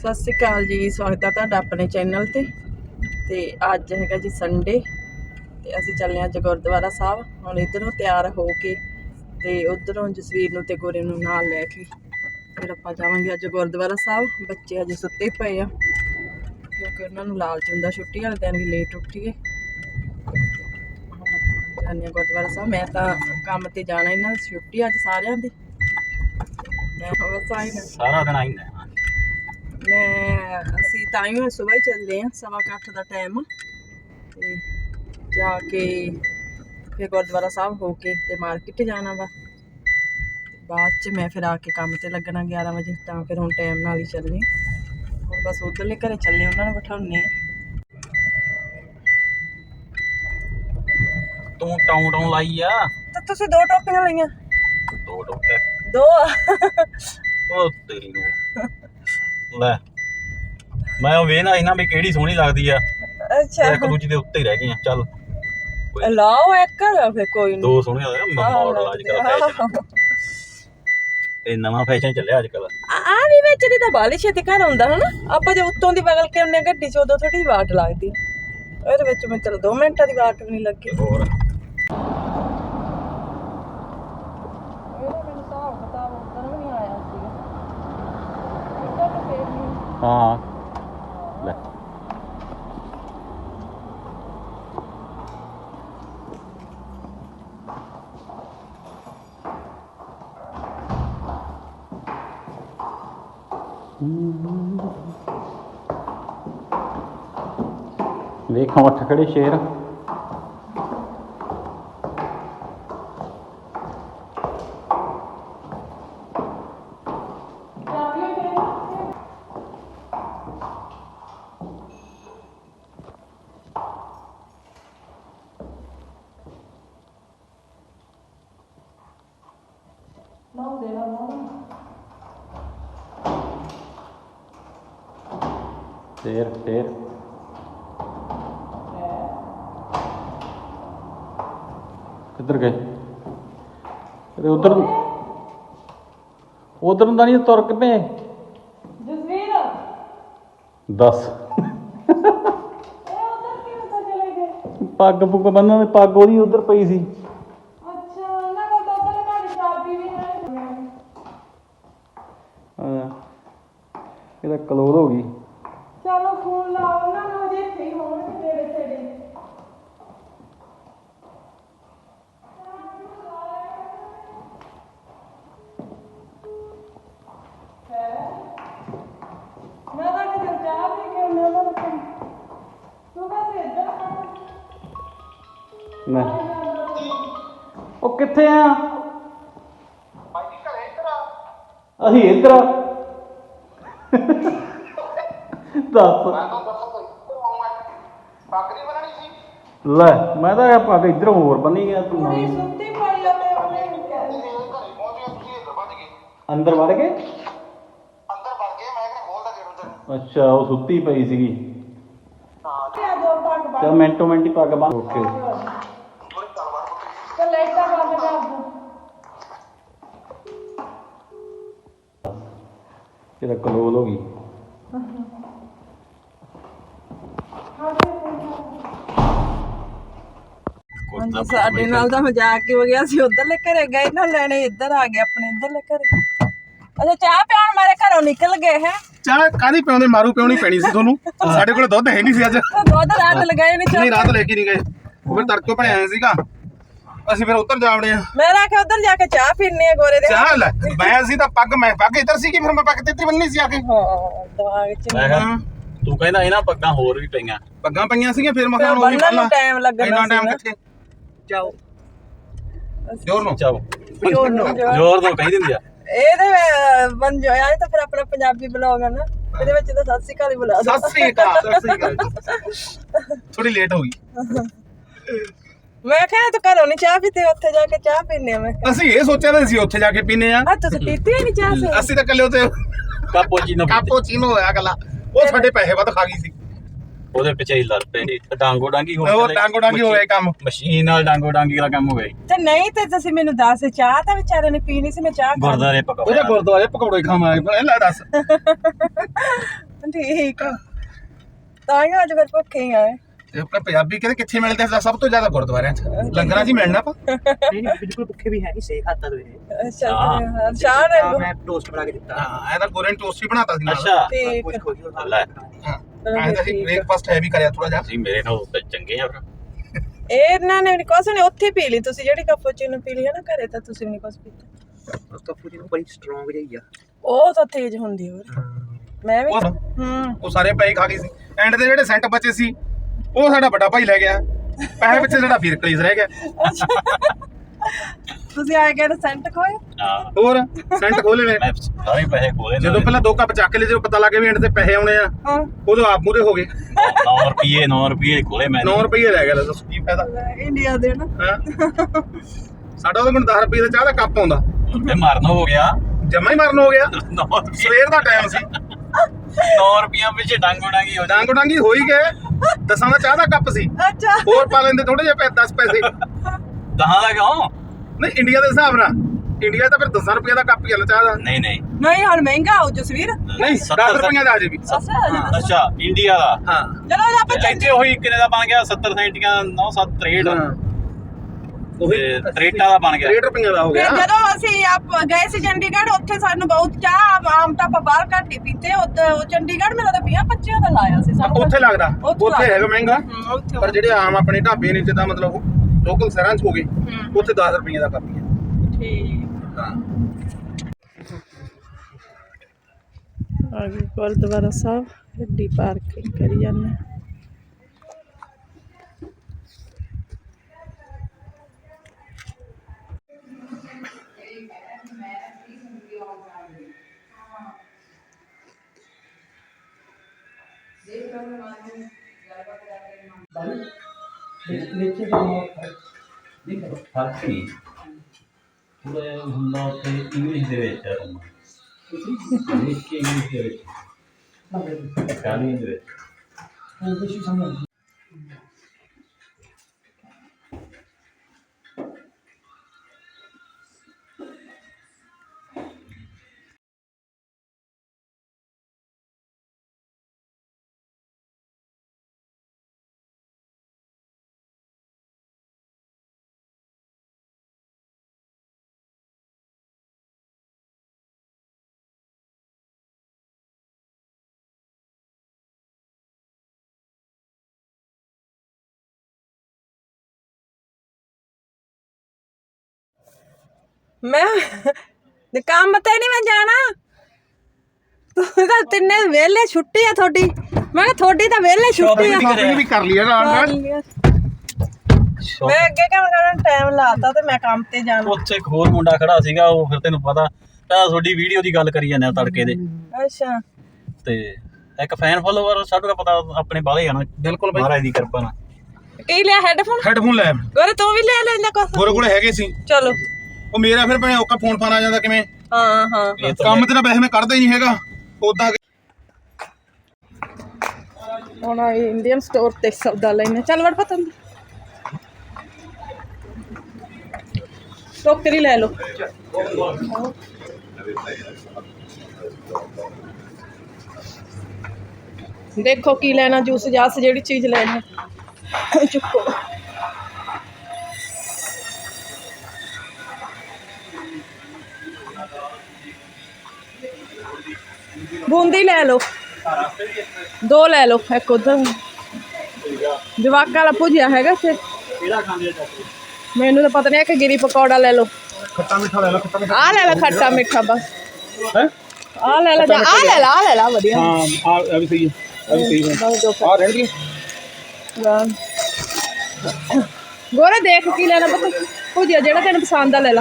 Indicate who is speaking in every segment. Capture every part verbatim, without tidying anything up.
Speaker 1: ਸਤਿ ਸ਼੍ਰੀ ਅਕਾਲ ਜੀ। ਸਵਾਗਤ ਹੈ ਤੁਹਾਡਾ ਆਪਣੇ ਚੈਨਲ ਤੇ ਤੇ ਅੱਜ ਹੈਗਾ ਜੀ ਸੰਡੇ ਤੇ ਅਸੀਂ ਚੱਲੇ ਅੱਜ ਗੁਰਦੁਆਰਾ ਸਾਹਿਬ। ਹੁਣ ਇੱਧਰੋਂ ਤਿਆਰ ਹੋ ਕੇ ਤੇ ਉਧਰੋਂ ਜਸਵੀਰ ਨੂੰ ਤੇ ਗੋਰੇ ਨੂੰ ਨਾਲ ਲੈ ਕੇ ਫਿਰ ਆਪਾਂ ਜਾਵਾਂਗੇ ਅੱਜ ਗੁਰਦੁਆਰਾ ਸਾਹਿਬ। ਬੱਚੇ ਅਜੇ ਸੁੱਤੇ ਪਏ ਆ ਕਿਉਂਕਿ ਉਹਨਾਂ ਨੂੰ ਲਾਲਚ ਹੁੰਦਾ ਛੁੱਟੀ ਵਾਲੇ ਦਿਨ ਵੀ ਲੇਟ ਉੱਠੀਏ। ਜਾਂਦੇ ਗੁਰਦੁਆਰਾ ਸਾਹਿਬ। ਮੈਂ ਤਾਂ ਕੰਮ ਤੇ ਜਾਣਾ, ਇਹਨਾਂ ਦੀ ਛੁੱਟੀ ਅੱਜ ਸਾਰਿਆਂ ਦੀ। ਮੈਂ ਬਸ ਆਈ ਨਾ
Speaker 2: ਸਾਰਾ ਦਿਨ ਆਈ ਨਾ
Speaker 1: ਮੈਂ ਅਸੀਂ ਤਾਂ ਹੀ ਸੁਬਾਹ ਹੀ ਚੱਲੇ ਹਾਂ, ਸਵਾ ਕੁ ਅੱਠ ਦਾ ਟਾਈਮ ਤੇ ਜਾ ਕੇ ਫਿਰ ਗੁਰਦੁਆਰਾ ਸਾਹਿਬ ਹੋ ਕੇ ਤੇ ਮਾਰਕੀਟ ਜਾਣਾ ਵਾ। ਬਾਅਦ 'ਚ ਮੈਂ ਫਿਰ ਆ ਕੇ ਕੰਮ ਤੇ ਲੱਗਣਾ ਗਿਆਰਾਂ ਵਜੇ, ਤਾਂ ਫਿਰ ਹੁਣ ਟਾਈਮ ਨਾਲ ਹੀ ਚੱਲੇ। ਹੁਣ ਬਸ ਉੱਧਰਲੇ ਘਰੇ ਚੱਲੇ, ਉਹਨਾਂ ਨੂੰ ਬਿਠਾਉਂਦੇ ਆ।
Speaker 2: ਤੂੰ ਟਾਉਂ ਟਾਉਂ ਲਾਈ ਆ
Speaker 1: ਤੇ ਤੁਸੀਂ ਦੋ ਟੋਪੀਆਂ ਲਈਆਂ?
Speaker 2: ਦੋ ਟੋਕੇ
Speaker 1: ਦੋ
Speaker 2: ਉਹ ਤੇਰੀ ਨੂੰ ਲੈ ਮੈਂ ਉਹ ਵੇਖਣਾ ਸੀ ਨਾ ਵੀ ਕਿਹੜੀ ਸੋਹਣੀ ਲੱਗਦੀ ਆ।
Speaker 1: ਅੱਛਾ,
Speaker 2: ਇੱਕ ਦੂਜੀ ਦੇ ਉੱਤੇ ਹੀ ਰਹਿ ਗਈਆਂ। ਚੱਲ
Speaker 1: ਲਾਓ ਇੱਕ ਫਿਰ ਕੋਈ ਨਹੀਂ।
Speaker 2: ਦੋ ਸੋਹਣੀਆਂ ਆ ਮਾਡਲ ਅੱਜ ਕੱਲ ਫੈਸ਼ਨ ਇਹ ਨਵਾਂ ਫੈਸ਼ਨ ਚੱਲਿਆ ਅੱਜ ਕੱਲ।
Speaker 1: ਆ ਵੀ ਵਿੱਚ ਦੀ ਤਾਂ ਬਾਲੀ ਛੇਤੀ ਘਰ ਆਉਂਦਾ ਹਨਾ। ਆਪਾਂ ਜੇ ਉੱਤੋਂ ਦੀ ਬਗਲ ਕੇ ਉਹਨੇ ਗੱਡੀ ਚ ਉਦੋਂ ਥੋੜੀ ਵਾਟ ਲੱਗਦੀ, ਇਹਦੇ ਵਿੱਚ ਮੈਂ ਚਲ ਦੋ ਮਿੰਟਾਂ ਦੀ ਵਾਟ ਵੀ ਨਹੀਂ ਲੱਗੀ।
Speaker 2: ਹੋਰ ਹਾਂ ਲੈ ਵੇਖਾਂ ਉੱਠ ਖੜੇ ਸ਼ੇਰ। ਸ਼ੇਰ ਸ਼ੇਰ ਕਿੱਧਰ ਗਏ? ਤੇ ਉਧਰ ਉਧਰ ਨੂੰ ਤਾਂ ਨਹੀਂ ਤੁਰ ਕੇ ਪਏ।
Speaker 1: ਜਸਵੀਰ
Speaker 2: ਦੱਸ ਪੱਗ ਪੁੱਗ ਬੰਨਾਂ ਦੀ ਪੱਗ ਉਹਦੀ ਉਧਰ ਪਈ ਸੀ।
Speaker 1: ਅੱਛਾ, ਉਹਨਾਂ ਕੋਲ ਤਾਂ ਉਧਰ ਘਰ ਚਾਬੀ ਵੀ ਹੈ।
Speaker 2: ਹਾਂ ਇਹਦਾ ਕਲੋਜ਼ ਹੋ ਗਈ।
Speaker 1: ਚਲੋ ਫੋਨ ਲਾਓ ਉਹਨਾਂ ਨੂੰ, ਜੇ ਇੱਥੇ ਹੀ ਹੋਣਗੇ ਤੇਰੇ ਤੇਰੇ। ਮੈਂ ਤਾਂ ਕਿਤੇ ਚਾਹ ਪੀ ਕੇ ਉਹਨਾਂ ਨੂੰ ਤੂੰ ਕਹਿੰਦੇ ਇੱਧਰ
Speaker 2: ਮੈਂ ਉਹ ਕਿੱਥੇ ਆ? ਅਸੀਂ ਇੱਧਰ ਆ। ਦੱਸ ਲੈ ਮੈਂ ਤਾਂ ਪੱਗ ਇੱਧਰ ਹੋਰ ਬੰਨੀ ਗਿਆ। ਤੂੰ
Speaker 1: ਕੁੜੀ ਸੁੱਤੀ ਪਈ ਆ ਤੇ ਉਹਨੇ
Speaker 2: ਅੰਦਰ ਵੜ ਗਏ? ਅੱਛਾ ਉਹ ਸੁੱਤੀ ਪਈ ਸੀਗੀ। ਚਲ ਮਿੰਟੋ ਮਿੰਟ ਹੀ ਪੱਗ ਬੰਨ। ਓਕੇ
Speaker 1: ਤੇ ਲਾਈਟਾਂ ਬੰਦ ਕਰ ਦੋ।
Speaker 2: ਇਹਦਾ ਕਲੋਜ਼ ਹੋ ਗਈ।
Speaker 1: ਹਾਂਜੀ, ਸਾਡੇ ਨਾਲ ਤਾਂ ਮਜ਼ਾਕ ਹੀ ਹੋ ਗਿਆ। ਅਸੀਂ ਉਧਰਲੇ ਘਰੇ ਗਏ ਨਾ ਲੈਣੇ, ਇੱਧਰ ਆ ਗਏ ਆਪਣੇ ਇੱਧਰਲੇ ਘਰੇ। ਅੱਛਾ, ਚਾਹ ਪਿਆਉਣ ਮਾਰੇ ਘਰੋਂ ਨਿਕਲ ਗਏ ਹੈ।
Speaker 3: ਚਾਹ ਕਾਹਦੀ ਪਿਆਉਂਦੇ? ਮਾਰੂ ਪਿਆਉਣੀ ਪੈਣੀ ਸੀ ਤੁਹਾਨੂੰ। ਸਾਡੇ ਕੋਲ ਦੁੱਧ ਹੈ ਨਹੀਂ ਸੀ ਅੱਜ।
Speaker 1: ਦੁੱਧ ਰਾਤ ਲਗਾਏ ਨਹੀਂ
Speaker 3: ਨਹੀਂ ਰਾਤ ਲੈ ਕੇ ਨਹੀਂ ਗਏ, ਉਹ ਫਿਰ ਤੜਕੇ ਬਣਿਆ ਆਇਆ ਸੀਗਾ। ਅਸੀਂ ਫਿਰ ਉੱਧਰ ਜਾਵੜੇ ਆ।
Speaker 1: ਮੈਂ ਆਖਿਆ ਉਧਰ ਜਾ ਕੇ ਚਾਹ ਪੀਣੇ ਆ ਗੋਰੇ ਦੇ।
Speaker 3: ਚਾਹ ਲੈ ਮੈਂ ਅਸੀਂ ਤਾਂ ਪੱਗ ਮੈਂ ਪੱਗ ਇੱਧਰ ਸੀ ਕਿ ਫਿਰ ਮੈਂ ਪੱਗ ਤੇ ਇੱਧਰ ਬੰਨੀ ਸੀ ਆ ਕੇ।
Speaker 1: ਹਾਂ ਦਿਮਾਗ ਚ
Speaker 2: ਮੈਂ ਕਿਹਾ ਤੂੰ ਕਹਿੰਦਾ ਇਹਨਾਂ ਪੱਗਾਂ ਹੋਰ ਵੀ ਪਈਆਂ।
Speaker 3: ਪੱਗਾਂ ਪਈਆਂ ਸੀਗੀਆਂ ਫਿਰ ਮੈਂ ਕਿਹਾ ਉਹ ਵੀ
Speaker 1: ਬੰਨਣ ਨੂੰ ਟਾਈਮ ਲੱਗਣਾ
Speaker 3: ਇੰਨਾ ਟਾਈਮ
Speaker 1: ਸੀ।
Speaker 3: ਕਿੱਥੇ?
Speaker 1: ਜਾਓ
Speaker 3: ਜ਼ੋਰ ਨੂੰ
Speaker 2: ਚਾਓ
Speaker 1: ਜ਼ੋਰ ਨੂੰ
Speaker 2: ਜ਼ੋਰ ਤੋਂ ਕਹੀ ਦਿੰਦੀ ਆ।
Speaker 1: ਇਹਦੇ ਬਣ ਜਾਇਆ ਤਾਂ ਫਿਰ ਆਪਣਾ ਪੰਜਾਬੀ ਬਲੌਗ ਹੈ ਨਾ, ਇਹਦੇ ਵਿੱਚ ਤਾਂ ਸਤਿ ਸ਼੍ਰੀ ਅਕਾਲ ਹੀ ਬੁਲਾ ਦੋ।
Speaker 3: ਸਤਿ ਸ੍ਰੀ ਅਕਾਲ। ਸਤਿ ਸ੍ਰੀ ਅਕਾਲ। ਥੋੜੀ ਲੇਟ ਹੋ ਗਈ।
Speaker 1: ਮੈਂ ਕਿਹਾ ਤੂੰ ਘਰੋਂ ਨਹੀਂ ਚਾਹ ਪੀਤੀ, ਉੱਥੇ ਜਾ ਕੇ ਚਾਹ ਪੀਨੇ ਆ। ਮੈਂ
Speaker 3: ਅਸੀਂ ਇਹ ਸੋਚਿਆ ਤਾਂ ਅਸੀਂ ਉੱਥੇ ਜਾ ਕੇ ਪੀਨੇ ਆ।
Speaker 1: ਆ ਤੁਸੀਂ ਪੀਤੀ ਨਹੀਂ ਚਾਹ? ਸੀ
Speaker 3: ਅਸੀਂ ਤਾਂ ਕੱਲੇ ਉੱਥੇ
Speaker 2: ਕਾਪੋਚੀਨੋ
Speaker 3: ਕਾਪੋਚੀਨੋ ਹੋਇਆ ਗੱਲਾਂ। ਉਹ ਸਾਡੇ ਪੈਸੇ ਵੱਧ ਖਾ ਗਈ ਸੀ।
Speaker 2: ਉਹਦੇ ਪਿੱਛੇ ਹੀ ਲੜ ਪਏ ਨੇ, ਡਾਂਗੋ ਡਾਂਗੀ ਹੋ
Speaker 3: ਉਹ ਡਾਂਗੋ ਡਾਂਗੀ ਹੋ ਗਿਆ ਕੰਮ,
Speaker 2: ਮਸ਼ੀਨ ਨਾਲ ਡਾਂਗੋ ਡਾਂਗੀ ਦਾ ਕੰਮ ਹੋ ਗਿਆ।
Speaker 1: ਤੇ ਨਹੀਂ ਤੇ ਤੁਸੀਂ ਮੈਨੂੰ ਦੱਸ, ਚਾਹ ਤਾਂ ਵਿਚਾਰੇ ਨੇ ਪੀਣੀ ਸੀ, ਮੈਂ ਚਾਹ
Speaker 2: ਗੁਰਦਾਰੇ ਪਕਾਉਣੇ
Speaker 3: ਉਹਦੇ ਗੁਰਦੁਆਰੇ ਪਕੌੜੇ ਖਾਵਾਂਗੇ। ਲੈ ਦੱਸ
Speaker 1: ਠੀਕ ਆ ਤਾਂ ਹੀ ਅੱਜ ਫਿਰ ਭੁੱਖੇ ਹੀ ਆਏ
Speaker 3: ਤੇ ਆਪਣੇ ਪੰਜਾਬੀ ਕਹਿੰਦੇ ਕਿੱਥੇ ਮਿਲਦੇ ਆ ਸਭ ਤੋਂ ਜ਼ਿਆਦਾ ਗੁਰਦੁਆਰਿਆਂ 'ਚ ਲੰਗਰਾਂ 'ਚ ਹੀ ਮਿਲਣਾ ਆਪਾਂ
Speaker 4: नहीं नहीं बिल्कुल भूखे भी है नहीं सेक आता तो है
Speaker 1: ਅੱਛਾ ਫਿਰ ਸ਼ਾਨ ਹੈ
Speaker 4: मैं टोस्ट बना के देता
Speaker 3: ਹਾਂ ਇਹ ਤਾਂ ਗੋਰੇ ਨੇ ਟੋਸਟ ਹੀ ਬਣਾਤਾ ਸੀ ਨਾਲ
Speaker 2: ਅੱਛਾ
Speaker 1: ਠੀਕ
Speaker 4: कुछ खोजी और
Speaker 2: ਲੈ
Speaker 3: ਹਾਂ ਐਂ ਤਾਂ ਅਸੀਂ ਬ੍ਰੇਕਫਾਸਟ ਹੈਵੀ ਕਰਿਆ ਥੋੜਾ ਜਿਹਾ
Speaker 2: ਤੁਸੀਂ ਮੇਰੇ ਨਾਲ ਤਾਂ ਚੰਗੇ ਆ ਫਿਰ
Speaker 1: ਇਹ ਇਹਨਾਂ ਨੇ ਨਹੀਂ ਕੁਛ ਨਹੀਂ ਉੱਥੇ ਪੀ ਲਈ ਤੁਸੀਂ ਜਿਹੜੀ ਕੈਪੂਚੀਨੋ ਪੀ ਲਈ ਹੈ ਨਾ ਘਰੇ ਤਾਂ ਤੁਸੀਂ ਵੀ ਨਹੀਂ ਕੁਛ ਪੀਤਾ
Speaker 4: उसका पूरी बड़ी स्ट्रांग रही है
Speaker 1: ਉਹ ਤਾਂ ਤੇਜ਼ ਹੁੰਦੀ ਹੋਰ ਮੈਂ ਵੀ
Speaker 3: ਉਹ
Speaker 1: ਹੂੰ
Speaker 3: ਉਹ ਸਾਰੇ ਪੈਸੇ ਖਾ ਗਏ ਸੀ ਐਂਡ ਦੇ ਜਿਹੜੇ ਸੈਂਟ ਬਚੇ ਸੀ ਉਹ ਸਾਡਾ ਵੱਡਾ ਭਾਈ ਲੈ ਗਿਆ ਪੈਸੇ ਪਿੱਛੇ ਸਾਡਾ ਫਿਰ ਕਲੀਜ਼ ਰਹਿ ਗਿਆ
Speaker 1: ਤੁਸੀਂ ਆਏ ਗਏ ਸੈਂਟ ਖੋਏ
Speaker 2: ਹਾਂ
Speaker 3: ਹੋਰ ਸੈਂਟ ਖੋਲੇ ਨੇ
Speaker 2: ਮੈਂ ਸਾਰੇ ਪੈਸੇ ਖੋਲੇ
Speaker 3: ਜਦੋਂ ਪਹਿਲਾਂ ਦੋ ਕੱਪ ਚੱਕ ਲਏ ਜਦੋਂ ਪਤਾ ਲੱਗ ਗਿਆ ਵੀ ਐਂਡ ਤੇ ਪੈਸੇ ਆਉਣੇ ਆ
Speaker 1: ਹਾਂ
Speaker 3: ਉਦੋਂ ਆਪ ਮੂਰੇ ਹੋ ਗਏ
Speaker 2: ਨੌ ਰੁਪਏ ਨੌ ਰੁਪਏ ਖੋਲੇ ਮੈਂ
Speaker 3: ਨੌ ਰੁਪਏ ਰਹਿ ਗਿਆ ਦੱਸੋ ਕੀ ਫਾਇਦਾ
Speaker 1: ਇੰਡੀਆ ਦੇ ਨਾ
Speaker 3: ਹਾਂ ਸਾਡਾ ਉਹਦੇ ਕੋਲ ਦਸ ਰੁਪਏ ਦਾ ਚਾਹ ਦਾ ਕੱਪ ਆਉਂਦਾ
Speaker 2: ਤੇ ਮਰਨ ਹੋ ਗਿਆ
Speaker 3: ਜਮਾ ਹੀ ਮਰਨ ਹੋ ਗਿਆ
Speaker 2: ਨੌ ਰੁਪਏ
Speaker 3: ਸਵੇਰ ਦਾ ਟਾਈਮ ਸੀ
Speaker 2: ਨੌ ਰੁਪਈਆਂ ਪਿੱਛੇ ਡੰਗ ਉਡਾਂਗੀ ਹੋ
Speaker 3: ਡਾਂਗ ਡਾਂਗੀ ਹੋ ਹੀ ਗਏ ਦਸਾਂ ਦਾ ਚਾਹ ਦਾ ਕੱਪ ਸੀ
Speaker 1: ਅੱਛਾ
Speaker 3: ਹੋਰ ਪਾ ਲੈਂਦੇ ਥੋੜੇ ਜਿਹੇ ਦਸ ਪੈਸੇ
Speaker 2: ਦਹਾਂ ਦਾ ਕਿਉਂ
Speaker 3: ਨਹੀਂ ਇੰਡੀਆ ਦੇ ਹਿਸਾਬ ਨਾਲ ਇੰਡੀਆ ਤਾਂ ਫਿਰ ਦਸ ਰੁਪਏ ਦਾ ਕੱਪ ਹੀ ਆ ਚਾਹ ਦਾ
Speaker 2: ਨਹੀਂ ਨਹੀਂ
Speaker 1: ਨਹੀਂ ਹੁਣ ਮਹਿੰਗਾ ਹੋ ਜਸਵੀਰ
Speaker 3: ਨਹੀਂ ਦਸ ਰੁਪਏ ਦਾ ਅਜੇ ਵੀ
Speaker 1: ਅੱਛਾ
Speaker 2: ਅੱਛਾ ਇੰਡੀਆ ਦਾ
Speaker 3: ਹਾਂ
Speaker 1: ਚਲੋ ਆਪਾਂ
Speaker 2: ਤੇ ਇੱਥੇ ਉਹੀ ਕਿੰਨੇ ਦਾ ਬਣ ਗਿਆ ਸੱਤਰ ਸੈਂਟੀਆਂ ਨੌ ਸੱਤ ਤਰੇਹਠ
Speaker 3: ਉਹੀ
Speaker 2: ਤੇ ਤਰੇਟਾਂ ਦਾ ਬਣ ਗਿਆ
Speaker 3: ਰੇਟ ਰੁਪਏ ਦਾ ਹੋ ਗਿਆ
Speaker 1: ਫਿਰ ਜਦੋਂ ਅਸੀਂ ਆਪ ਗਏ ਸੀ ਚੰਡੀਗੜ੍ਹ ਉੱਥੇ ਸਾਨੂੰ ਬਹੁਤ ਚਾਹ ਆਮ ਤਾਂ ਆਪਾਂ ਬਾਹਰ ਘੱਟ ਹੀ ਪੀਤੇ ਉੱਥੇ ਉਹ ਚੰਡੀਗੜ੍ਹ ਮੇਰਾ ਤਾਂ ਵੀਹ ਪੱਚੀਆਂ ਦਾ ਲਾਇਆ ਸੀ ਸਾਨੂੰ
Speaker 3: ਉੱਥੇ ਲੱਗਦਾ
Speaker 1: ਉੱਥੇ
Speaker 3: ਉੱਥੇ ਹੈਗਾ ਮਹਿੰਗਾ
Speaker 1: ਹਮ, ਉੱਥੇ
Speaker 3: ਪਰ ਜਿਹੜੇ ਆਮ ਆਪਣੇ ਢਾਬੇ ਨੇ ਜਿੱਦਾਂ ਮਤਲਬ ਲੋਕਲ ਸ਼ਹਿਰਾਂ 'ਚ ਹੋ ਗਏ
Speaker 1: ਹਮ,
Speaker 3: ਉੱਥੇ ਦਸ ਰੁਪਏ ਦਾ ਕੱਪ ਹੀ ਆ
Speaker 1: ਠੀਕ
Speaker 3: ਹਾਂ
Speaker 1: ਆ ਗਏ ਗੁਰਦੁਆਰਾ ਸਾਹਿਬ ਗੱਡੀ ਪਾਰਕਿੰਗ ਕਰੀ ਜਾਂਦੇ
Speaker 2: ਫਰਕ ਨਹੀਂ ਥੋੜਾ ਹੁੰਦਾ ਉੱਥੇ ਇੰਗਲਿਸ਼ ਦੇ ਵਿੱਚ ਹੈ ਇੰਗਲਿਸ਼ ਕੇ ਇੰਗਲਿਸ਼ ਦੇ ਵਿੱਚ ਇਟਾਲੀਅਨ ਦੇ ਵਿੱਚ
Speaker 1: ਮੈਂ ਤੇ ਕੰਮ ਤੇ ਨਹੀਂ ਮੈਂ ਜਾਣਾ ਤੂੰ ਤਾਂ ਤਿੰਨੇ ਵਿਹਲੇ ਛੁੱਟੀ ਆ ਤੁਹਾਡੀ ਮੈਂ ਕਿਹਾ ਤੁਹਾਡੀ ਤਾਂ ਵਿਹਲੇ ਛੁੱਟੀ ਆ
Speaker 3: ਸ਼ਾਪਿੰਗ ਵੀ ਕਰ ਲਈ ਆ ਨਾਲ ਨਾਲ
Speaker 1: ਮੈਂ ਅੱਗੇ ਕੰਮ ਕਰਨ ਟਾਈਮ ਲਾਤਾ ਤੇ ਮੈਂ ਕੰਮ ਤੇ ਜਾਣਾ
Speaker 2: ਉੱਥੇ ਇੱਕ ਹੋਰ ਮੁੰਡਾ ਖੜਾ ਸੀਗਾ ਉਹ ਫਿਰ ਤੈਨੂੰ ਪਤਾ ਤਾਂ ਤੁਹਾਡੀ ਵੀਡੀਓ ਦੀ ਗੱਲ ਕਰੀ ਜਾਂਦੇ ਆ ਤੜਕੇ ਦੇ
Speaker 1: ਅੱਛਾ
Speaker 2: ਤੇ ਇੱਕ ਫੈਨ ਫੋਲੋਵਰ ਸਾਨੂੰ ਤਾਂ ਪਤਾ ਆਪਣੇ ਬਾਲੇ ਆ ਨਾ
Speaker 3: ਬਿਲਕੁਲ ਬਾਈ
Speaker 2: ਮਹਾਰਾਜ ਦੀ ਕਿਰਪਾ ਨਾਲ
Speaker 1: ਕੀ ਲਿਆ ਹੈਡਫੋਨ
Speaker 3: ਹੈਡਫੋਨ ਲੈ
Speaker 1: ਗੋਰੇ ਤੂੰ ਵੀ ਲੈ ਲੈਂਦਾ ਕੁਛ
Speaker 3: ਗੋਰੇ ਕੋਲੇ ਹੈਗੇ ਸੀ
Speaker 1: ਚਲੋ
Speaker 3: ਉਹ ਮੇਰਾ ਫਿਰ ਭੈਣੇ ਔਕਾ ਫੋਨ ਫਾਨ ਆ ਜਾਂਦਾ ਕਿਵੇਂ
Speaker 1: ਹਾਂ ਹਾਂ
Speaker 2: ਇਹ ਤਾਂ
Speaker 3: ਕੰਮ ਤੇ ਤਾਂ ਵੈਸੇ ਮੈਂ ਕਰਦਾ ਹੀ ਨਹੀਂ ਹੈਗਾ ਉਦਾਂ
Speaker 1: ਹੁਣ ਆਈ ਇੰਡੀਅਨ ਸਟੋਰ ਤੇ ਸੌਦਾ ਲੈਣੇ ਚੱਲ ਵੜ ਪਤਾ ਟੋਕਰੀ ਲੈ ਲਓ ਦੇਖੋ ਕੀ ਲੈਣਾ ਜੂਸ ਜਾਸ ਜਿਹੜੀ ਚੀਜ਼ ਲੈਣੀ ਚੁੱਕੋ ਬੂੰਦੀ ਲੈ ਲਓ ਦੋ ਲੈ ਲਓ ਇੱਕ ਉਧਰ ਜਵਾਕਾਂ ਵਾਲਾ ਭੁਜਿਆ ਹੈਗਾ ਇੱਥੇ
Speaker 2: ਕਿਹੜਾ ਖਾਂਦੇ ਆ
Speaker 1: ਮੈਨੂੰ ਤਾਂ ਪਤਾ ਨਹੀਂ ਕਿ ਗਿਰੀ ਪਕੌੜਾ ਲੈ ਲਓ
Speaker 3: ਖੱਟਾ ਮਿੱਠਾ ਲੈ ਲਓ ਖੱਟਾ ਮਿੱਠਾ
Speaker 1: ਆ ਲੈ ਲੈ ਖੱਟਾ ਮਿੱਠਾ ਬਸ
Speaker 3: ਹੈ
Speaker 1: ਆ ਲੈ ਲੈ ਜਾ ਆ ਲੈ ਲਾ ਆ ਲੈ ਲਾ ਵਧੀਆ
Speaker 3: ਹਾਂ ਆ ਇਹ ਵੀ ਸਹੀ ਹੈ ਇਹ ਵੀ ਸਹੀ ਹੈ
Speaker 1: ਬਸ ਦੋ
Speaker 3: ਆ ਰਹਿਣਗੇ
Speaker 1: ਹਾਂ। ਗੋਰੇ ਦੇਖ ਕੀ ਲੈਣਾ ਪਤਾ ਭੁਜਿਆ ਜਿਹੜਾ ਤੈਨੂੰ ਪਸੰਦ ਆ ਲੈ ਲਾ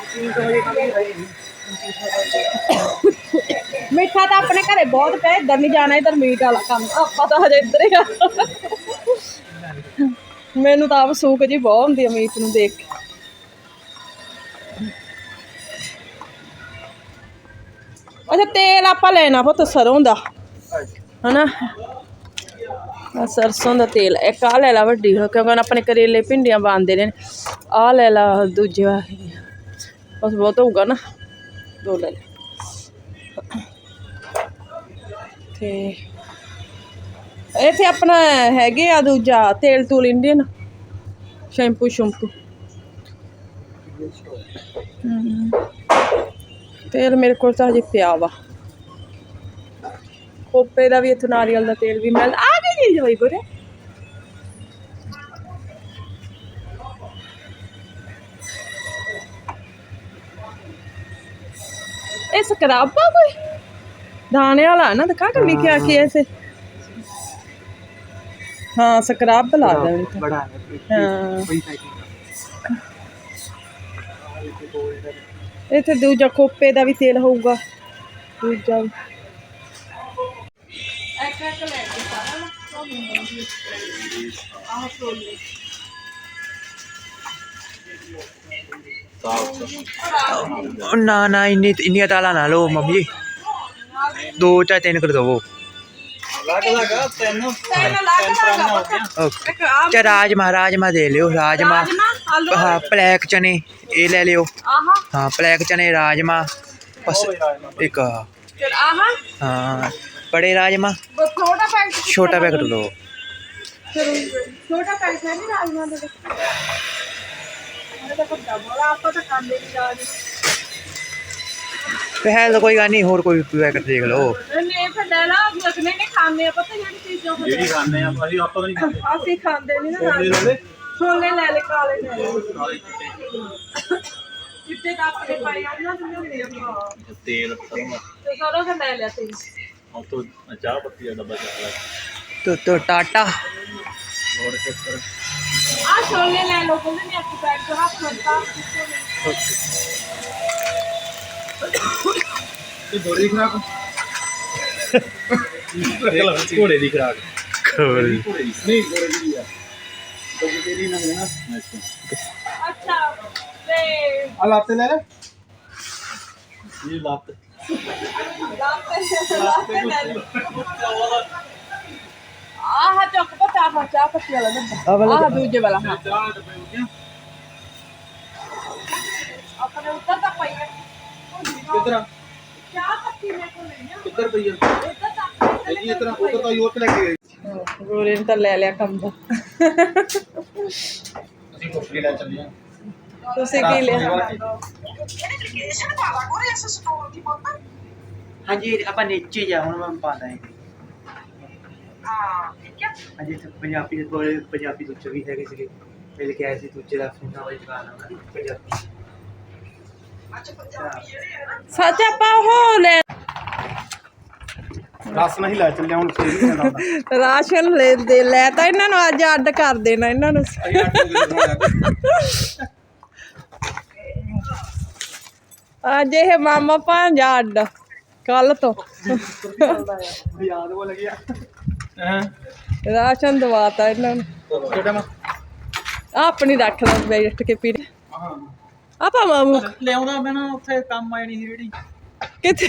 Speaker 1: ਮਿੱਠਾ ਤਾਂ ਆਪਣੇ ਘਰੇ ਬਹੁਤ ਪਿਆ ਇੱਧਰ ਨਹੀਂ ਜਾਣਾ ਇੱਧਰ ਮੀਟ ਵਾਲਾ ਕੰਮ ਆਪਾਂ ਤਾਂ ਹਜੇ ਇੱਧਰ ਹੀ ਆ ਮੈਨੂੰ ਤਾਂ ਆਪ ਸੂਕ ਜੀ ਬਹੁਤ ਹੁੰਦੀ ਆ ਮੀਟ ਨੂੰ ਦੇਖ ਕੇ ਅੱਛਾ ਤੇਲ ਆਪਾਂ ਲੈਣਾ ਪੁੱਤ ਸਰੋਂ ਦਾ ਹਨਾ ਆ ਸਰਸੋਂ ਦਾ ਤੇਲ ਇੱਕ ਆ ਲੈ ਲਾ ਵੱਡੀ ਕਿਉਂਕਿ ਹੁਣ ਆਪਣੇ ਕਰੇਲੇ ਭਿੰਡੀਆਂ ਬਣਦੇ ਨੇ ਆ ਲੈ ਲਾ ਦੂਜੇ ਬਸ ਬਹੁਤ ਹੋਊਗਾ ਨਾ ਦੋ ਲੈ ਲੈ ਤੇ ਇੱਥੇ ਆਪਣਾ ਹੈਗੇ ਆ ਦੂਜਾ ਤੇਲ ਤੂਲ ਇੰਡੀਅਨ ਸ਼ੈਂਪੂ ਸ਼ੈਂਪੂ ਹਮ। ਤੇਲ ਮੇਰੇ ਕੋਲ ਤਾਂ ਹਜੇ ਪਿਆ ਵਾ ਖੋਪੇ ਦਾ ਵੀ ਇੱਥੋਂ ਨਾਰੀਅਲ ਦਾ ਤੇਲ ਵੀ ਮਿਲਦਾ ਆ ਗਈ ਚੀਜ਼ ਹੋਈ ਕੋਰੇ ਇਹ ਸਕਰਬ ਆ ਕੋਈ दाने वाला है ना दिखा कर लिखा कि ऐसे हाँ स्क्रब ला दे
Speaker 4: बड़ा है
Speaker 1: हाँ
Speaker 4: बड़ी साइकिल
Speaker 1: इत्थे दूजा खोपे दा भी तेल होऊगा दूजा
Speaker 4: ना ना इन्नी इन्नी दाला ना लो मम्मी दो चाहे तीन कर दो ते राजमा राजमा दे लियो राजमा हाँ ब्लैक चने ये ले लियो हाँ ब्लैक चने राजमा बस एक हाँ बड़े राजमा छोटा पैकेट लो
Speaker 1: छोटा पैकेट है नहीं राजमा दे मेरे को डबल आपको तो काम दे नहीं
Speaker 4: है तो कोई गल नहीं होर कोई पैकेट देख लो
Speaker 1: नहीं फिर ले ला लगने नहीं खाने पता जेडी चीज जो
Speaker 2: ਜਿਹੜੀ ਖਾਣੇ ਆ ਅਸੀਂ ਆਪਾਂ ਤਾਂ ਨਹੀਂ ਖਾਂਦੇ
Speaker 1: ਅਸੀਂ ਖਾਂਦੇ ਨਹੀਂ ਨਾ
Speaker 2: ਛੋਲੇ ਲੈ ਲੈ
Speaker 1: ਛੋਲੇ ਲੈ ਲੈ ਕਾਲੇ ਲੈ ਲੈ ਚਿੱਟੇ ਤਾਂ ਆਪਣੇ ਪਾਈ ਆ ਨਾ ਤੁਸੀਂ ਹਾਂ
Speaker 2: ਤੇਲ ਕਰੂੰਗਾ
Speaker 1: ਤੇ ਸਾਰਾ ਫਿਰ ਲੈ ਲਿਆ ਤੇ
Speaker 2: ਉਹ ਤੋਂ ਚਾਹ ਪੱਤੀ ਦਾ ਡੱਬਾ ਚੱਕ ਲੈ
Speaker 4: तो तो टाटा
Speaker 2: ਲੋੜ ਚੱਕਰ
Speaker 1: ਆ ਛੋਲੇ ਲੈ ਲਓ ਕਹਿੰਦੇ ਨੇ ਆਪਕੇ ਪੈਕ ਤੋਂ ਹੱਥ ਮੱਤਾ
Speaker 3: ਇਹ ਬੜੀ ਖਰਾਬ
Speaker 2: ਘੋੜੇ ਦੀ ਖਰਾਕ
Speaker 4: खोल
Speaker 2: ਘੋੜੇ ਦੀ ਨਹੀਂ ਘੋੜੇ ਦੀ ਆ तो ਤੇਰੀ ਨਾ ਹੈ ਨਾ
Speaker 1: ਅੱਛਾ ਤੇ
Speaker 3: ਆ ਲਾਤੇ ਲੈ ਲੈ
Speaker 2: ਇਹ ਲੱਤ
Speaker 1: ਆਹ ਚੁੱਕ ਪਤਾ ਹਾਂ ਚਾਹ ਪੱਤੀ ਵਾਲਾ ਡੱਬਾ ਆਹ ਦੂਜੇ ਵਾਲਾ ਹਾਂ
Speaker 2: ਚਾਹ ਡੱਬੇ ਹੋ ਗਿਆ
Speaker 1: ਆਪਣੇ ਉੱਤਰ ਤੱਕ ਪਈ ਹੈ
Speaker 3: ਕਿੱਧਰ ਆ
Speaker 1: ਚਾਹ ਪੱਤੀ ਮੇਰੇ ਕੋਲ ਨਹੀਂ ਆ
Speaker 3: ਕਿੱਧਰ ਪਈ ਆ
Speaker 1: ਉੱਤਰ ਤੱਕ
Speaker 3: ਇਹ ਇਸ ਤਰ੍ਹਾਂ ਉਧਰ ਤਾਂ ਯੂਰਪ ਲੈ ਕੇ ਗਏ
Speaker 1: ਗੋਰੇ ਨੇ ਤਾਂ ਲੈ ਲਿਆ ਕੰਮ ਦਾ
Speaker 3: ਅਸੀਂ ਕੋਠੀ ਲੈ ਚੱਲੇ ਆ
Speaker 1: ਤੁਸੀਂ ਕੀ ਲਿਆ
Speaker 4: हाँ जी अपन नीचे जा हूं मैं पाता है हाँ जी पंजाबी ਦੇ ਕੋਲ ਪੰਜਾਬੀ ਦੁੱਚ ਵੀ ਹੈਗੇ ਸੀਗੇ ਮਿਲ ਕੇ ਆਏ ਸੀ ਦੂਜੇ ਦਾ ਸੁਣਨਾ ਵਾਲੀ ਦੁਕਾਨ ਆ ਪੰਜਾਬੀ
Speaker 1: ਸੱਚ ਆਪਾਂ ਉਹ ਲੈ
Speaker 3: ਰਸ ਨਹੀਂ ਲੈ ਚੱਲਿਆ ਹੁਣ ਫੇਰ ਹੀ ਜਾਂਦਾ ਹੁੰਦਾ
Speaker 1: ਰਾਸ਼ਨ ਲੈ ਦੇ ਲੈ ਤਾਂ ਇਹਨਾਂ ਨੂੰ ਅੱਜ ਅੱਡ ਕਰ ਦੇਣਾ ਇਹਨਾਂ ਨੂੰ
Speaker 3: ਅਸੀਂ ਅੱਠ ਵਜੇ ਬਣਾਉਣਾ
Speaker 1: ਅੱਜ ਇਹ ਮਾਮਾ ਭਾਂਜਾ ਅੱਡ ਕੱਲ ਤੋਂ
Speaker 3: ਯਾਦ ਹੋ ਲੱਗਿਆ ਹਾਂ
Speaker 1: ਰਾਸ਼ਨ ਦਵਾਤਾ ਇਹਨਾਂ ਨੂੰ
Speaker 3: ਛੋਟਾ ਮਾ
Speaker 1: ਆਹ ਆਪਣੀ ਰੱਖ ਲਓ ਬੈਠ ਕੇ ਪੀ
Speaker 3: ਹਾਂ
Speaker 1: ਆਪਾਂ ਮਾਮੂ
Speaker 2: ਲਿਆਉਂਦਾ ਮੈਂ ਨਾ ਉੱਥੇ ਕੰਮ ਆਈ ਨਹੀਂ ਸੀ ਰੇੜੀ
Speaker 1: ਕਿੱਥੇ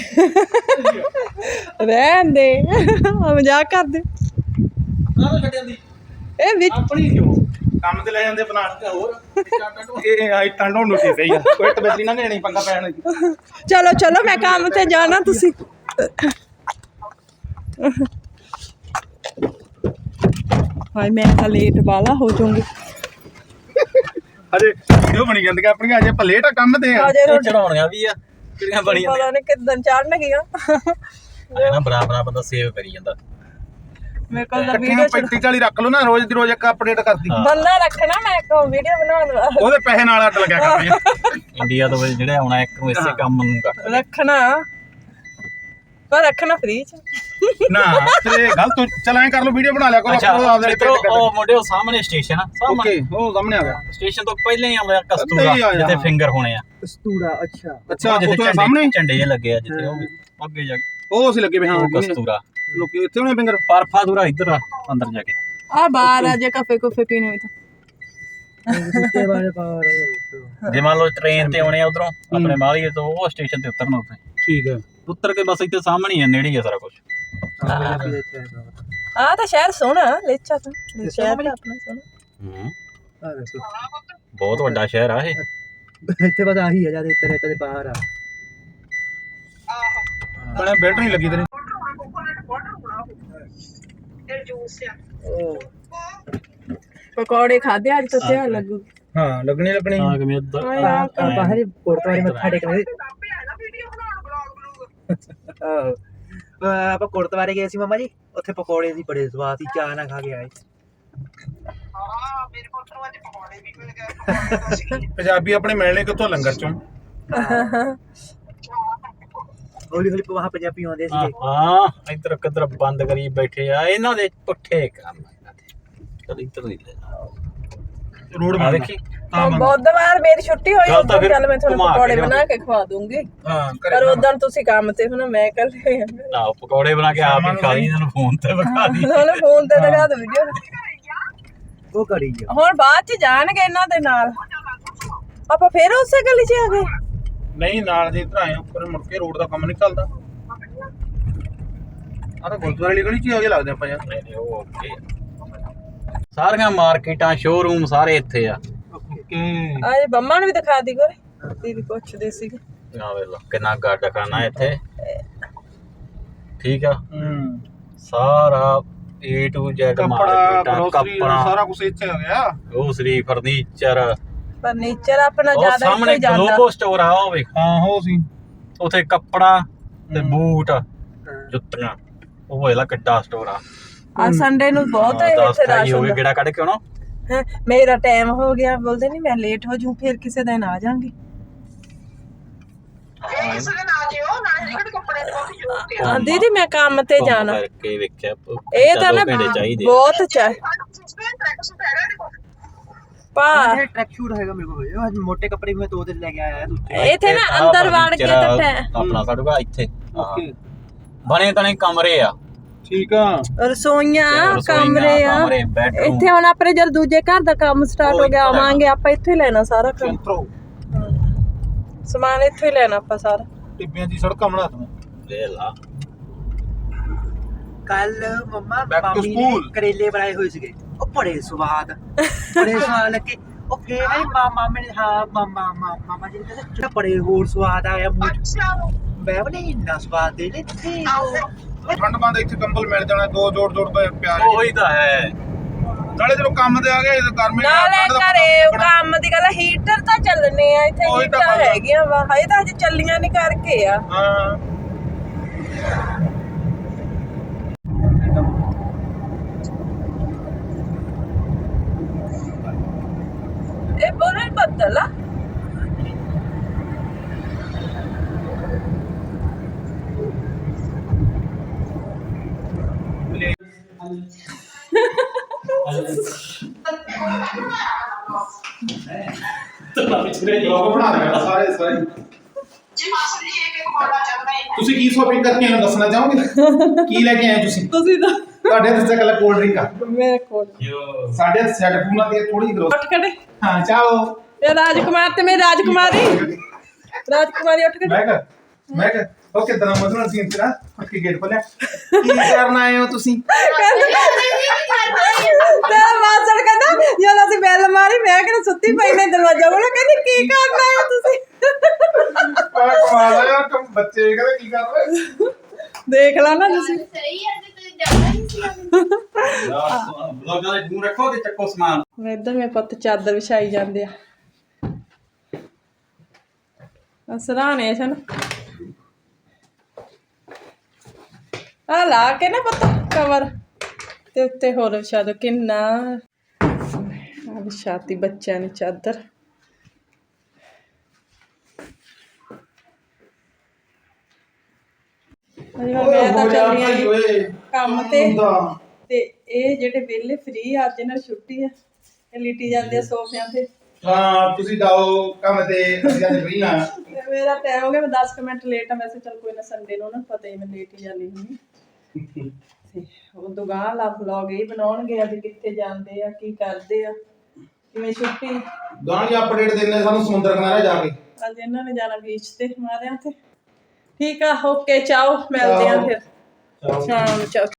Speaker 1: ਰਹਿਣ ਦੇ ਆ ਮਜ਼ਾਕ ਕਰਦੇ
Speaker 2: ਕਾਹਦੋਂ ਛੱਡਿਆ ਦੀ
Speaker 1: ਇਹ ਵਿੱਚ
Speaker 3: ਆਪਣੀ ਕਿਉਂ ਕੰਮ ਤੇ ਲੈ ਜਾਂਦੇ ਬਣਾ ਕੇ ਹੋਰ ਇਹ ਆਈ ਟੰਡੋਂ ਨੂੰ ਠੀਕ ਹੈ ਕੋਈ ਟਬੇਲੀ ਨਾ ਲੈਣੀ ਪੰਗਾ ਪੈਣ
Speaker 1: ਚਲੋ ਚਲੋ ਮੈਂ ਕੰਮ ਤੇ ਜਾਣਾ ਤੁਸੀਂ ਹਾਏ ਮੈਂ ਤਾਂ ਲੇਟ ਵਾਲਾ ਹੋ ਜਾਊਂਗੀ
Speaker 3: ਅਜੇ ਵੀਡੀਓ ਬਣੀ ਜਾਂਦੀ ਆਪਣੀਆਂ ਅਜੇ ਆਪਾਂ ਲੇਟ ਆ ਕੰਮ ਤੇ ਆ
Speaker 1: ਅਜੇ ਰੋਟੀ
Speaker 2: ਚੜਾਉਣੀਆਂ ਵੀ ਆ ਕਿਹੜੀਆਂ ਬਣੀਆਂ
Speaker 1: ਪਤਾ ਨਹੀਂ ਕਿੱਦਣ ਚੜਨ ਗਿਆ
Speaker 2: ਨੇ ਨਾ ਬਰਾਬਰ ਬੰਦਾ ਸੇਵ ਕਰੀ ਜਾਂਦਾ
Speaker 1: ਮੇਰੇ ਕੋਲ ਤਾਂ
Speaker 3: ਇਕੱਠੀਆਂ
Speaker 1: ਵੀਡੀਓ
Speaker 3: ਪੈਂਤੀ ਚਾਲੀ ਰੱਖ ਲਓ ਨਾ ਰੋਜ਼ ਦੀ ਰੋਜ਼ ਇੱਕ ਅਪਡੇਟ ਕਰਦੀ
Speaker 1: ਬੰਦਾ ਰੱਖਣਾ ਮੈਂ ਕੋ ਵੀਡੀਓ ਬਣਾਉਣ ਵਾਲਾ
Speaker 3: ਉਹਦੇ ਪੈਸੇ ਨਾਲ ਅੱਡ ਲੱਗਿਆ ਕਰਦੇ ਆ
Speaker 2: ਇੰਡੀਆ ਤੋਂ ਜਿਹੜੇ ਆਉਣਾ ਇੱਕ ਨੂੰ ਇਸੇ ਕੰਮ ਨੂੰ ਕਰ
Speaker 1: ਰੱਖਣਾ ਪਰ ਰੱਖਣਾ ਫ੍ਰੀ ਚ
Speaker 3: ਨਾ ਤੇ ਗਲਤ ਚੱਲ ਐਂ ਕਰ ਲਓ ਵੀਡੀਓ ਬਣਾ ਲਿਆ ਕਰੋ
Speaker 2: ਅੱਛਾ
Speaker 3: ਆਪਣਾ ਆਪਦੇ
Speaker 2: ਮਿੱਤਰੋ ਉਹ ਮੁੰਡੇ ਉਹ ਸਾਹਮਣੇ ਸਟੇਸ਼ਨ ਆ ਸਾਹਮਣੇ
Speaker 3: ਓਕੇ ਉਹ ਸਾਹਮਣੇ ਆ ਗਿਆ
Speaker 2: ਸਟੇਸ਼ਨ ਤੋਂ ਪਹਿਲਾਂ ਹੀ ਆਉਂਦਾ
Speaker 3: ਇੱਥੇ ਹੀ
Speaker 2: ਕਸਤੂਰਾ
Speaker 3: ਆ ਜਾ,
Speaker 2: ਜਿੱਥੇ
Speaker 3: ਹਾਂ।
Speaker 2: ਫਿੰਗਰ ਹੋਣੇ ਆ
Speaker 4: ਕਸਤੂਰਾ ਅੱਛਾ
Speaker 3: ਅੱਛਾ
Speaker 2: ਜਿੱਥੇ
Speaker 3: ਉੱਥੇ
Speaker 2: ਝੰਡੇ-
Speaker 3: ਸਾਹਮਣੇ
Speaker 2: ਝੰਡੇ ਜਿਹੇ ਲੱਗੇ ਆ ਜਿੱਥੇ ਉਹ ਵੀ ਅੱਗੇ ਜਾ ਕੇ
Speaker 3: ਉਹ ਅਸੀਂ ਲੱਗੇ ਵੇ ਹਾਂ
Speaker 2: ਉਹ ਕਸਤੂਰਾ
Speaker 3: ਲੋਕੀ ਇੱਥੇ ਹੋਣੇ ਫਿੰਗਰ
Speaker 2: ਪਰਫਾ ਦੂਰਾ ਇੱਧਰ ਆ ਅੰਦਰ ਜਾ ਕੇ
Speaker 1: ਆ ਬਾਹਰ ਆ ਜੇ ਕਾਫੇ ਕੁਫੇ ਪੀਣੇ ਹੋਈ ਤਾਂ
Speaker 4: ਜਿੱਤੇ ਵਾਲੇ ਪਾਵਰ
Speaker 2: ਜੇ ਮੰਨ ਲਓ ਟ੍ਰੇਨ ਤੇ ਆਉਣੇ ਆ ਉਧਰੋਂ ਆਪਣੇ ਮਾਲੀਏ ਤੋਂ ਉਹ ਸਟੇਸ਼ਨ ਤੇ ਉਤਰਨਾ ਉੱਥੇ
Speaker 3: ਠੀਕ ਹੈ
Speaker 2: ਉਤਰ ਕੇ ਬਸ ਇੱਥੇ ਸਾਹਮਣੇ ਹੀ ਆ ਨੇੜੇ ਹੀ ਆ ਸਾਰਾ ਕੁਝ
Speaker 1: ਆ ਤਾਂ ਸ਼ਹਿਰ ਸੋਹਣਾ ਲੇਚਾ ਤਾਂ ਸ਼ਹਿਰ ਤਾਂ ਆਪਣਾ ਸੋਹਣਾ
Speaker 2: ਹੂੰ ਬਹੁਤ ਵੱਡਾ ਸ਼ਹਿਰ ਆ ਇਹ
Speaker 4: ਇੱਥੇ ਬਸ ਆਹੀ ਆ ਜਦ ਇੱਧਰ ਇੱਧਰ ਬਾਹਰ ਆ
Speaker 3: ਬਣੇ ਬੈਲਟ ਨਹੀਂ ਲੱਗੀ ਤੇਰੇ
Speaker 1: ਪਕੌੜੇ ਖਾਦੇ ਅੱਜ ਤੋਂ ਤਿਆਰ ਲੱਗੂ
Speaker 3: ਹਾਂ ਲੱਗਣੀ ਲੱਗਣੀ
Speaker 2: ਆ ਕਿ ਮੈਂ ਇੱਧਰ
Speaker 4: ਆਪਾਂ ਹਜੇ ਗੁਰਦੁਆਰੇ ਮੱਥਾ ਟੇਕਣੇ ਆਹੋ ਆਪਾਂ ਗੁਰਦੁਆਰੇ ਗਏ ਸੀ ਮਾਮਾ ਜੀ ਉੱਥੇ ਪਕੌੜੇ ਸੀ ਬੜੇ ਸਵਾਦ ਸੀ ਚਾਹ ਨਾਲ ਖਾ ਕੇ ਆਏ
Speaker 3: ਪੰਜਾਬੀ ਆਪਣੇ ਮਿਲਣੇ ਕਿੱਥੋਂ ਲੰਗਰ ਚੋਂ
Speaker 4: ਹੌਲੀ ਹੌਲੀ ਵਹਾਂ ਪੰਜਾਬੀ ਆਉਂਦੇ ਸੀਗੇ
Speaker 2: ਹਾਂ ਇੱਧਰ ਕਿੱਧਰ ਬੰਦ ਕਰੀ ਬੈਠੇ ਆ ਇਹਨਾਂ ਦੇ ਪੁੱਠੇ ਕੰਮ ਇਹਨਾਂ ਦੇ ਚਲ ਇੱਧਰ ਨਹੀਂ ਲੈ
Speaker 3: ਰੋਡ
Speaker 2: ਆ
Speaker 3: ਬਣ
Speaker 2: ਦੇਖੀ
Speaker 3: ਹਾਂ ਬੰਦ।
Speaker 1: ਬੁੱਧਵਾਰ ਮੇਰੀ ਛੁੱਟੀ ਹੋਈ
Speaker 2: ਚੱਲ ਤਾਂ
Speaker 1: ਉਦੋਂ
Speaker 2: ਫਿਰ
Speaker 1: ਚੱਲ ਮੈਂ ਤੁਹਾਨੂੰ
Speaker 2: ਘੁਮਾ ਕੇ
Speaker 1: ਪਕੌੜੇ
Speaker 2: ਲਿਆਉਂਦੇ।
Speaker 1: ਬਣਾ ਕੇ ਖਵਾ ਦੂੰਗੀ
Speaker 3: ਹਾਂ
Speaker 1: ਪਰ ਉਦੋਂ ਤੁਸੀਂ ਕੰਮ ਤੇ ਹੋ ਨਾ ਮੈਂ ਕੱਲ
Speaker 2: ਨਾ ਪਕੌੜੇ ਬਣਾ ਕੇ ਆਪ ਹੀ ਖਾ ਲਈ ਇਹਨਾਂ ਨੂੰ ਫੋਨ ਤੇ ਵਿਖਾ ਦੀ
Speaker 1: ਉਹਨੇ ਫੋਨ ਤੇ ਦਿਖਾ ਦੋ ਵੀਡੀਓ
Speaker 4: ਉਹ ਕਰੀ ਆ
Speaker 1: ਹੁਣ ਬਾਅਦ ਚ ਜਾਣਗੇ ਇਹਨਾਂ ਦੇ ਨਾਲ ਆਪਾਂ ਫੇਰ ਉਸੇ ਗਲੀ ਚ ਆ ਗਏ
Speaker 3: ਨਹੀਂ ਨਾਲ ਜੇ ਇੱਧਰ ਆਏ ਉੱਪਰ ਮੁੜ ਕੇ ਰੋਡ ਦਾ ਕੰਮ ਨਹੀਂ ਚੱਲਦਾ ਆ ਤਾਂ ਗੁਰਦੁਆਰੇ ਵਾਲੀ ਗਲੀ ਚ ਹੀ ਆ ਕੇ ਲੱਗਦੇ ਆਪਾਂ ਯਾਰ
Speaker 2: ਨਹੀਂ ਨਹੀਂ ਉਹ ਓਕੇ ਸਾਰੀਆਂ ਮਾਰਕੀਟਾਂ ਸ਼ੋਰੂਮ ਸਾਰੇ ਇੱਥੇ ਆ
Speaker 3: ਓਕੇ
Speaker 1: ਅੱਜ ਬੰਮਾ ਨੂੰ ਵੀ ਦਿਖਾ ਦੀ ਕੋਰੇ ਦੀਦੀ ਪੁੱਛਦੇ ਸੀਗੇ
Speaker 2: ਆ ਵੇ ਲੋ ਕਿੰਨਾ ਗੱਡ ਖਾਨਾ ਇੱਥੇ ਠੀਕ ਆ
Speaker 3: ਹੂੰ
Speaker 2: ਸਾਰਾ A to Z
Speaker 3: ਕੱਪੜਾ
Speaker 2: ਮਾਰਕੀਟਾਂ
Speaker 3: ਗਰੋਸਰੀ
Speaker 2: ਕੱਪੜਾ
Speaker 3: ਸਾਰਾ ਕੁਝ ਇੱਥੇ ਆ ਗਿਆ
Speaker 2: ਗਰੋਸਰੀ ਫਰਨੀਚਰ
Speaker 1: ਫਰਨੀਚਰ ਆਪਣਾ
Speaker 2: ਉਹ
Speaker 1: ਜ਼ਿਆਦਾ ਇੱਥੇ
Speaker 2: ਸਾਹਮਣੇ
Speaker 1: ਹੀ ਜਾਂਦਾ
Speaker 2: ਗਲੋਬੋ ਸਟੋਰ ਆ ਉਹ ਵੇਖ
Speaker 3: ਹਾਂ ਹੋ ਸੀ
Speaker 2: ਉਥੇ ਕੱਪੜਾ ਤੇ ਬੂਟ ਜੁੱਤੀਆਂ ਉਹ ਇਹਦਾ ਕਿੱਡਾ ਸਟੋਰ ਆ
Speaker 1: ਆ ਸੰਡੇ ਨੂੰ ਬਹੁਤ ਹੈ
Speaker 2: ਦਸ
Speaker 1: ਇੱਥੇ
Speaker 2: ਢਾਈ
Speaker 1: ਰਸ਼
Speaker 2: ਹੋ ਗਏ
Speaker 1: ਹੁੰਦਾ
Speaker 2: ਕਿਹੜਾ ਕੱਢ ਕੇ ਆਉਣਾ
Speaker 1: ਹੈਂ, ਮੇਰਾ ਟਾਈਮ ਹੋ ਗਿਆ ਬੋਲਦੇ ਨਹੀਂ ਮੈਂ ਲੇਟ ਹੋ ਜੂ ਫਿਰ ਕਿਸੇ ਦਿਨ ਆ ਜਾਾਂਗੀ ਹਾਂ ਦੀਦੀ ਮੈਂ ਕੰਮ ਤੇ
Speaker 2: ਘੁੰਮ
Speaker 1: ਜਾਣਾ
Speaker 2: ਕਰਕੇ ਵੇਖਿਆ
Speaker 1: ਇਹ ਤਾਂ ਨਾ
Speaker 2: ਘੰਟੇ ਚਾਹੀਦੇ ਆ।
Speaker 1: ਬਹੁਤ ਚਾਹ ਪਾ
Speaker 4: ਇਹ ਟਰੈਕ ਸ਼ੂਟ ਹੈਗਾ ਮੇਰੇ ਕੋਲ ਉਹ ਅੱਜ ਮੋਟੇ ਕੱਪੜੇ ਮੈਂ ਦੋ ਦਿਨ ਲੈ ਕੇ ਆਇਆ ਦੂਜੇ
Speaker 1: ਇੱਥੇ ਨਾ
Speaker 2: ਆਹ
Speaker 1: ਅੰਦਰ ਵੜ ਕੇ
Speaker 2: furniture
Speaker 1: ਤਾਂ
Speaker 2: ਆ, ਆਪਣਾ ਸਾਡੂਗਾ ਇੱਥੇ
Speaker 3: ਓਕੇ
Speaker 2: ਬਣੇ ਤਣੇ ਕਮਰੇ ਆ
Speaker 3: ਠੀਕ ਆ
Speaker 1: ਰਸੋਈਆਂ
Speaker 2: ਰਸੋਈਆਂ,
Speaker 1: ਕਮਰੇ ਆ
Speaker 2: ਕਮਰੇ, bedroom।
Speaker 1: ਇੱਥੇ ਹੁਣ ਆਪਣੇ ਜਦ ਦੂਜੇ ਘਰ ਦਾ ਕੰਮ ਸਟਾਰਟ
Speaker 2: ਉਹ
Speaker 1: ਹੋ ਗਿਆ
Speaker 2: ਇੱਥੋਂ ਲੈਣਾ।
Speaker 1: ਆਵਾਂਗੇ ਆਪਾਂ ਇੱਥੇ ਹੀ ਲੈਣਾ ਸਾਰਾ ਕੰਮ
Speaker 3: ਚੰਤਰੋ
Speaker 1: ਸਮਾਨ ਇੱਥੇ ਹੀ ਲੈਣਾ ਆਪਾਂ ਸਾਰਾ
Speaker 3: ਟਿੱਬਿਆਂ ਦੀ ਸੜਕਾਂ ਬਣਾ ਦੂੰ
Speaker 2: ਲੈ ਲਾ
Speaker 4: ਕੱਲ ਮੰਮਾ
Speaker 3: Back to
Speaker 4: ਮਾਮੀ ਨੇ
Speaker 3: school।
Speaker 4: ਕਰੇਲੇ ਬਣਾਏ ਹੋਏ ਸੀਗੇ ਉਹ ਬੜੇ ਸਵਾਦ ਬੜੇ ਸਵਾਦ ਲੱਗੇ ਉਹ ਫੇਰ ਆਈ ਮਾਮਾ ਮੇਰੇ ਹਾਂ ਮਾਮਾ ਮਾਮਾ ਜੀ ਨੇ ਕਹਿੰਦੇ ਜਿਹੜਾ ਬੜੇ ਹੋਰ ਸਵਾਦ ਆਇਆ ਮੂੰਹ ਚ ਮੈਂ ਬਣੇ ਇੰਨਾ ਸਵਾਦ ਦੇ ਲੈ ਤੇ
Speaker 3: ਠੰਡ ਬੰਦ ਇੱਥੇ ਕੰਬਲ ਮਿਲ ਜਾਣਾ ਦੋ ਜੋੜ ਜੋੜ ਤੋਂ ਪਿਆਰ
Speaker 2: ਉਹੀ ਤਾਂ ਹੈ
Speaker 3: ਨਾਲੇ ਜਦੋਂ ਕੰਮ ਤੇ ਆ ਗਏ ਤੇ ਗਰਮੀ
Speaker 1: ਨਾਲੇ
Speaker 3: ਠੰਡ ਦਾ
Speaker 1: ਘਰੇ
Speaker 3: ਪਤਾ
Speaker 1: ਕੰਮ ਦੀ ਗੱਲ ਹੀਟਰ ਤਾਂ ਚੱਲਣੇ ਆ ਇੱਥੇ
Speaker 3: ਉਹੀ ਤਾਂ
Speaker 1: ਹੀਟਰ
Speaker 3: ਗੱਲ ਆ।
Speaker 1: ਹੈਗੀਆਂ ਵਾ ਹਜੇ ਤਾਂ ਹਜੇ ਚੱਲੀਆਂ ਨਹੀਂ ਕਰਕੇ ਆ
Speaker 3: ਹਾਂ
Speaker 1: ਇਹ ਬੋਲੇ ਬੱਦਲ ਆ
Speaker 3: ਲੋਕ ਬਣਾ ਰਹੇ ਆ ਸਾਰੇ ਸਾਰੇ ਤੁਸੀਂ ਕੀ ਸ਼ੋਪਿੰਗ ਕਰਕੇ ਆਏ ਹੋ ਦੱਸਣਾ ਚਾਹੋਗੇ ਕੀ ਲੈ ਕੇ ਆਏ ਹੋ ਤੁਸੀਂ
Speaker 1: ਤੁਸੀਂ ਤਾਂ
Speaker 3: ਤੁਹਾਡੇ ਹੱਥ 'ਚ ਕੱਲਾ ਕੋਲਡ ਡਰਿੰਕ ਆ
Speaker 1: ਮੇਰੇ ਕੋਲ
Speaker 3: ਸਾਡੇ ਹੱਥ ਸੈੱਟ ਪੂਣਾ ਤੇ ਥੋੜੀ ਜਿਹੀ ਗਰੋਸ
Speaker 1: ਉੱਠ ਖੜੇ
Speaker 3: ਹਾਂ ਚਾਹੋ
Speaker 1: ਇਹ ਰਾਜਕੁਮਾਰ ਤੇ ਮੇਰੀ ਰਾਜਕੁਮਾਰੀ ਰਾਜਕੁਮਾਰੀ ਉੱਠ ਖੜੇ
Speaker 3: ਮੈਂ ਕਰ ਮੈਂ ਕਰ ਓਕੇ ਤਨਾ ਮਜ਼ਨ ਸੀਨ ਤੇਰਾ ਉੱਠ ਕੇ ਗੇਟ ਖੋਲਿਆ ਕੀ ਕਰਨ ਆਏ ਹੋ ਤੁਸੀਂ
Speaker 1: ਤੇਰਾ ਮਾਸੜ ਕਹਿੰਦਾ ਜਦੋਂ ਅਸੀਂ ਬੈਲ ਮਾਰੀ ਮੈਂ ਕਿਹੜਾ ਸੁੱਤੀ ਪਈ ਨੇ ਦਰਵਾਜ਼ਾ ਖੋਲ੍ਹਿਆ ਕਹਿੰਦੀ ਕੀ ਕਰਨ ਆਏ ਹੋ ਤੁਸੀਂ
Speaker 3: ਆ ਕਮਾਲ ਆ ਯਾਰ ਤੁਮ ਬੱਚੇ ਕਹਿੰਦੇ ਕੀ ਕਰ ਰਹੇ
Speaker 1: ਦੇਖ ਲਾ ਨਾ ਤੁਸੀਂ
Speaker 5: ਸਹੀ ਹੈ ਤੇ ਤੁਸੀਂ ਜਾਣਾ ਨਹੀਂ ਸੀ
Speaker 2: ਬਲੌਗਾਂ ਦੇ ਮੂੰਹ ਰੱਖੋ ਤੇ ਚੱਕੋ ਸਮਾਨ
Speaker 1: ਮੈਂ ਇੱਧਰ ਮੇਰੇ ਪੁੱਤ ਚਾਦਰ ਵਿਛਾਈ ਜਾਂਦੇ ਆ ਅਸਰਾਣੇ ਸਨ ਆ ਲਾ ਕੇ ਨਾ ਪੁੱਤ ਕਵਰ ਤੇ ਉੱਤੇ ਹੋਰ ਵਿਛਾ ਦੋ ਕਿੰਨਾ ਆ ਵਿਛਾਤੀ ਬੱਚਿਆਂ ਨੇ ਚਾਦਰ ਅਰੇ ਮੈਂ ਤਾਂ ਚੱਲੀ ਆਂ ਜੀ ਕੰਮ ਤੇ ਤੇ ਇਹ ਜਿਹੜੇ ਵਿਹਲੇ ਫ੍ਰੀ ਅੱਜ ਇਹਨਾਂ ਨੂੰ ਛੁੱਟੀ ਆ ਇਹ ਲਿਟੀ ਜਾਂਦੇ ਆ ਸੋਫਿਆਂ ਤੇ
Speaker 3: ਹਾਂ ਤੁਸੀਂ ਜਾਓ ਕੰਮ ਤੇ ਅਸੀਂ ਅੱਜ ਫ੍ਰੀ ਆ
Speaker 1: ਤੇ ਮੇਰਾ ਟਾਈਮ ਹੋ ਗਿਆ ਮੈਂ ਦਸ ਕੁ ਮਿੰਟ ਲੇਟ ਆ ਵੈਸੇ ਚੱਲ ਕੋਈ ਨਾ ਸੰਡੇ ਨੂੰ ਨਾ ਪਤਾ ਹੀ ਮੈਂ ਲੇਟ ਹੀ ਜਾਂਦੀ ਹੁੰਦੀ ਤੇ ਉਹ ਦੁਕਾਨ ਲਾ ਵਲੌਗ ਇਹ ਬਣਾਉਣਗੇ ਅੱਜ ਕਿੱਥੇ ਜਾਂਦੇ ਆ ਕੀ ਕਰਦੇ ਆ ਕਿਵੇਂ ਛੁੱਟੀ
Speaker 3: ਗਾਣੀ ਅਪਡੇਟ ਦੇਣੇ ਸਾਨੂੰ ਸਮੁੰਦਰ ਕਿਨਾਰੇ ਜਾ ਕੇ
Speaker 1: ਅੱਜ ਇਹਨਾਂ ਨੇ ਜਾਣਾ ਬੀਚ ਤੇ ਮਾਰਿਆਂ ਤੇ ਠੀਕ ਆ ਓਕੇ ਚਾਓ ਮਿਲਦੇ ਆ ਫਿਰ
Speaker 3: ਚਲੋ
Speaker 1: ਸ਼ਾਮ ਨੂੰ ਚਾਓ